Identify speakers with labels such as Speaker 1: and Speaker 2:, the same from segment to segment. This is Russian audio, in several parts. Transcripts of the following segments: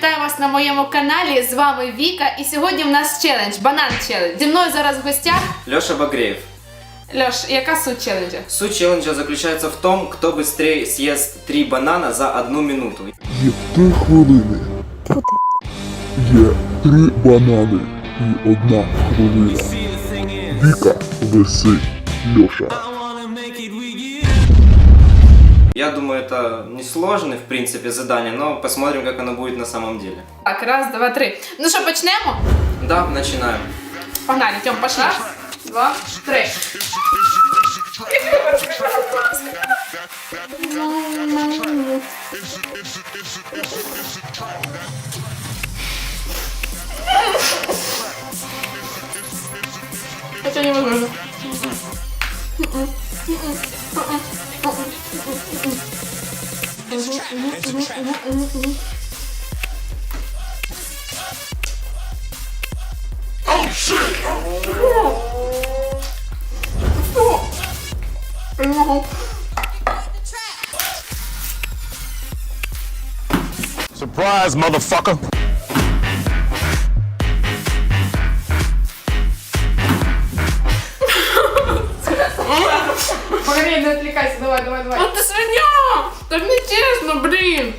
Speaker 1: вітаю вас на моєму каналі. З вами Віка. І сьогодні в нас челендж, банан челендж. Зі мною зараз в гостях
Speaker 2: Леша Багреев.
Speaker 1: Льош, яка суть челенджа?
Speaker 2: Суть челленджа заключается в том, кто быстрее съест 3 банана за 1 минуту.
Speaker 3: Є 3 хвилини. Є 3 банани і 1 хвилина. Віка версей Льоша.
Speaker 2: Я думаю, это несложное, в принципе, задание, но посмотрим, как оно будет на самом деле.
Speaker 1: Так, раз, два, три. Ну що, почнемо?
Speaker 2: Да, начинаем.
Speaker 1: Погнали, Тьом, пошли. Раз, два, три. Это невозможно.
Speaker 3: Surprise, motherfucker!
Speaker 1: Погоди, не отвлекайся, давай. Ну ты свинья! Так нечестно, блин!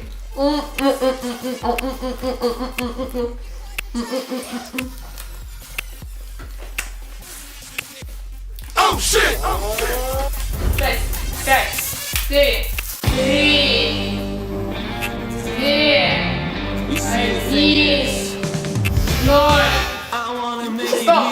Speaker 3: Oh shit!
Speaker 1: 6, 5, 4, 3, 2, 1, 0. Стоп!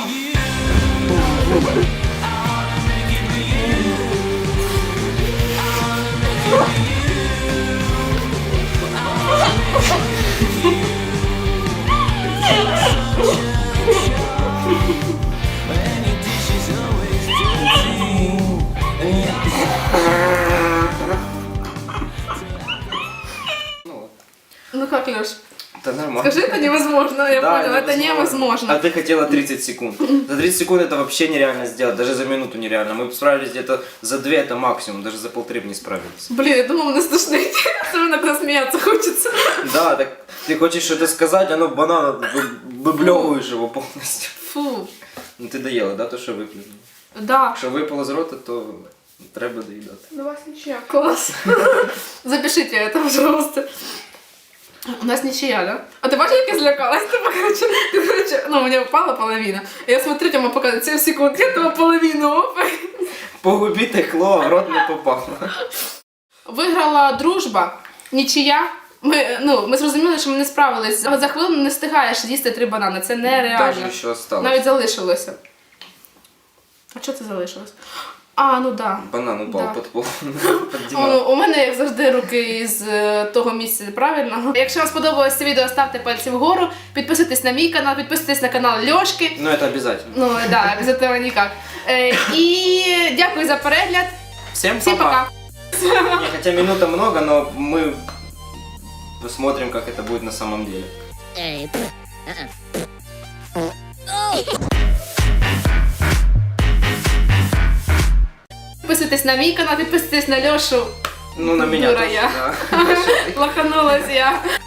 Speaker 1: Ну как, Леш?
Speaker 2: Это нормально.
Speaker 1: Скажи, это невозможно, я
Speaker 2: Да,
Speaker 1: поняла, это невозможно.
Speaker 2: А ты хотела 30 секунд. За 30 секунд это вообще нереально сделать, даже за минуту нереально. Мы справились где-то за 2, это максимум, даже за 1,5 бы не справились.
Speaker 1: Блин, я думала, мне слышно идти, особенно когда смеяться хочется.
Speaker 2: Да, так ты хочешь что-то сказать, оно банан, выблевываешь его полностью.
Speaker 1: Фу.
Speaker 2: Ну ты доела, да, то, що виплюнула?
Speaker 1: Да.
Speaker 2: Що випало з рота, то треба доїдати.
Speaker 1: У вас ничья. Класс. Запишите это, пожалуйста. У нас ничья, да? А ты бачишь, как я злякалась? Короче, ну, у меня упала половина. Я смотрю, Тёма показывает 7 секунд, я этого половину.
Speaker 2: По губі текло, а в рот не попало.
Speaker 1: Виграла дружба, нічия. Ми зрозуміли, що ми не справились. За хвилину не встигаєш їсти 3 банани. Це нереально.
Speaker 2: Даже ще осталось.
Speaker 1: Навіть залишилося. А що це залишилось? А, ну да.
Speaker 2: Банан упав
Speaker 1: Да.
Speaker 2: під пол. Під диван.
Speaker 1: У мене, як завжди, руки з того місця правильного. Якщо вам сподобалось це відео, ставте пальці вгору, підписуйтесь на мій канал, підписуйтесь на канал Льошки.
Speaker 2: Ну это обязательно.
Speaker 1: Ну, да, без этого никак. І дякую за перегляд.
Speaker 2: Всем
Speaker 1: Всім пока.
Speaker 2: Не, хотя минута много, но мы посмотрим, как это будет на самом деле.
Speaker 1: Підписуйтесь на мій канал, підписуйтесь на Льошу.
Speaker 2: Ну, на меня
Speaker 1: Дура
Speaker 2: тоже,
Speaker 1: я.
Speaker 2: да.
Speaker 1: Лоханулась я.